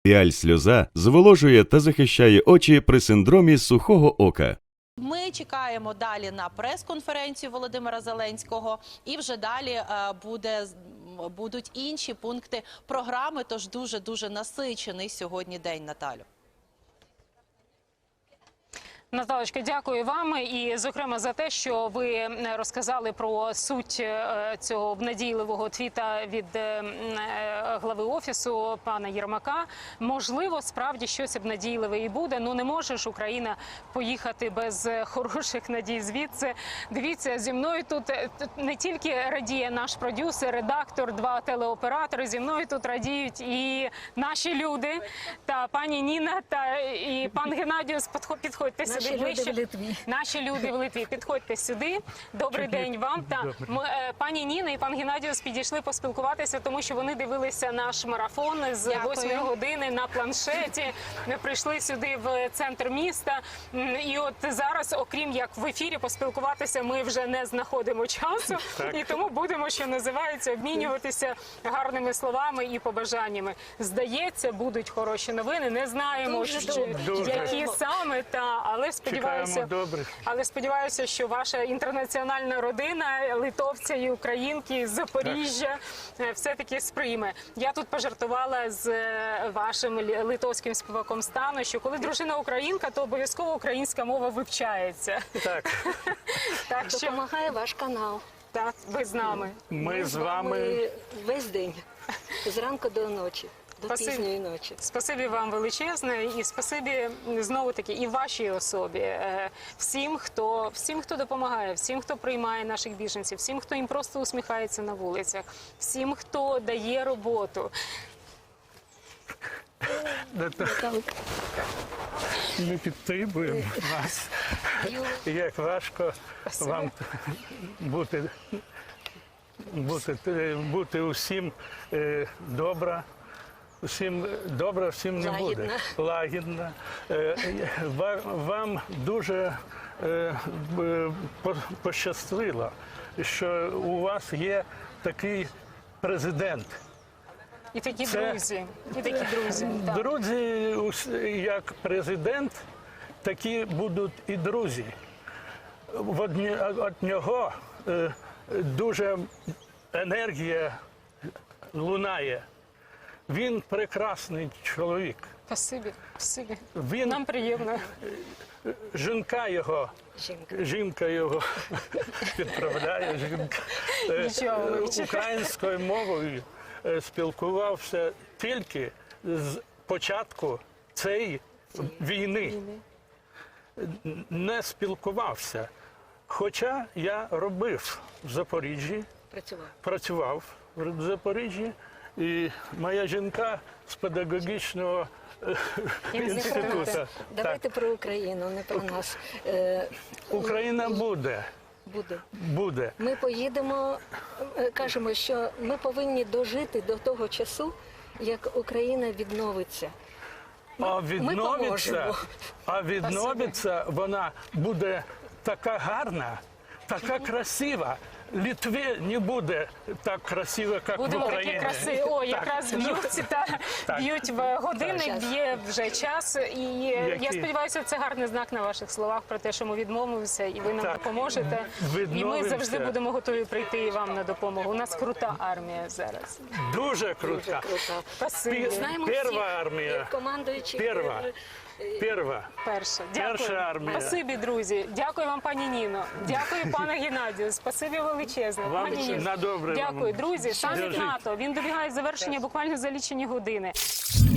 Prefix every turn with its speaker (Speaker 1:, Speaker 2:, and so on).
Speaker 1: Піаль-сльоза зволожує та захищає очі при синдромі сухого ока.
Speaker 2: Ми чекаємо далі на прес-конференцію Володимира Зеленського, і вже далі будуть інші пункти програми, тож дуже насичений сьогодні день, Наталю.
Speaker 3: Наталочка, дякую вам і, зокрема, за те, що ви розказали про суть цього обнадійливого твіта від глави Офісу пана Єрмака. Можливо, справді щось обнадійливе і буде. Ну, не може ж Україна поїхати без хороших надій звідси. Дивіться, зі мною тут не тільки радіє наш продюсер, редактор, два телеоператори, зі мною тут радіють і наші люди, та пані Ніна, та і пан Геннадіус. Підходьте сюди.
Speaker 4: Наші люди в Литві.
Speaker 3: Наші люди в Литві. Підходьте сюди. Добрий день вам. Пані Ніна і пан Геннадіус підійшли поспілкуватися, тому що вони дивилися наш марафон з 8 години на планшеті. Ми прийшли сюди в центр міста. І от зараз, окрім як в ефірі поспілкуватися, ми вже не знаходимо часу. І тому будемо, що називається, обмінюватися гарними словами і побажаннями. Здається, будуть хороші новини. Не знаємо, які саме, але сподіваюся, що ваша інтернаціональна родина, литовця і українки з Запоріжжя, все-таки сприйме. Я тут пожартувала з вашим литовським співаком Стану, що коли дружина українка, то обов'язково українська мова вивчається.
Speaker 4: Так. Допомагає ваш канал.
Speaker 3: Так, ви з нами.
Speaker 4: Ми з вами весь день, зранку до ночі. До пізньої ночі.
Speaker 3: Спасибі вам величезне і спасибі знову-таки і вашій особі, всім, хто допомагає, всім, хто приймає наших біженців, всім, хто їм просто усміхається на вулицях, всім, хто дає роботу.
Speaker 5: Ми підтримуємо вас. Як важко вам бути усім добра. Всім добре, всім не буде. Лагідна. Вам дуже пощастило, що у вас є такий президент.
Speaker 3: І такі друзі.
Speaker 5: Друзі, як президент, такі будуть і друзі. Від нього дуже енергія лунає. Він прекрасний чоловік.
Speaker 3: Спасибі.
Speaker 5: Він,
Speaker 3: нам приємно.
Speaker 5: Жінка його підправляє, українською мовою спілкувався тільки з початку цієї війни. Не спілкувався. Хоча я робив в Запоріжжі, працював в Запоріжжі. І моя жінка з педагогічного інституту.
Speaker 4: Давайте про Україну, не про нас.
Speaker 5: Україна буде.
Speaker 4: Ми поїдемо, кажемо, що ми повинні дожити до того часу, як Україна відновиться.
Speaker 5: А відновиться вона буде така гарна, така красива. Литві не буде так красиво, як в Україні.
Speaker 3: Будемо такі красиві. О, якраз б'ють в годинник, б'є вже час. І я сподіваюся, це гарний знак на ваших словах про те, що ми відмовимося, і ви нам допоможете. І ми завжди будемо готові прийти і вам на допомогу. У нас крута армія зараз.
Speaker 5: Дуже крута. Перша армія.
Speaker 3: Перша. Дякую.
Speaker 5: Армія.
Speaker 3: Спасибі, друзі. Дякую вам, пані Ніно. Дякую, пане Геннадію. Спасибі величезне. Пані Ніно.
Speaker 5: На добре.
Speaker 3: Дякую, друзі. Саміт НАТО. Він добігає завершення буквально за лічені години.